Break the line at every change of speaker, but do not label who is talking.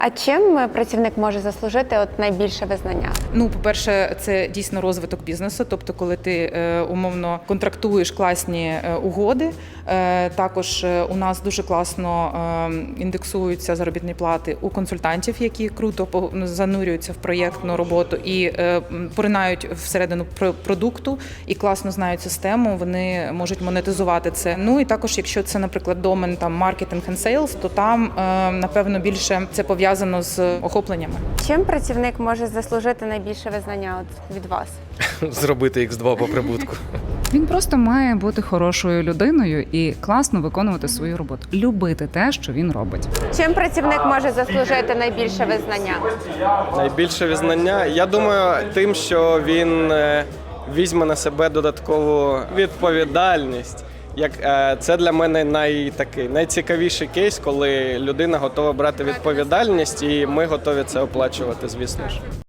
А чим працівник може заслужити найбільше визнання?
Ну, по-перше, це дійсно розвиток бізнесу. Тобто, коли ти умовно контрактуєш класні угоди. Також у нас дуже класно індексуються заробітні плати у консультантів, які круто занурюються в проєктну роботу і поринають всередину продукту і класно знають систему. Вони можуть монетизувати це. Ну і також, якщо це, наприклад, домен там маркетинг and sales, то там напевно більше це пов'язано з охопленнями.
Чим працівник може заслужити найбільше визнання від вас?
Зробити X2 по прибутку.
Він просто має бути хорошою людиною і класно виконувати свою роботу. Любити те, що він робить.
Чим працівник може заслужити найбільше визнання?
Найбільше визнання, я думаю, тим, що він візьме на себе додаткову відповідальність. Це для мене найцікавіший кейс, коли людина готова брати відповідальність, і ми готові це оплачувати, звісно ж.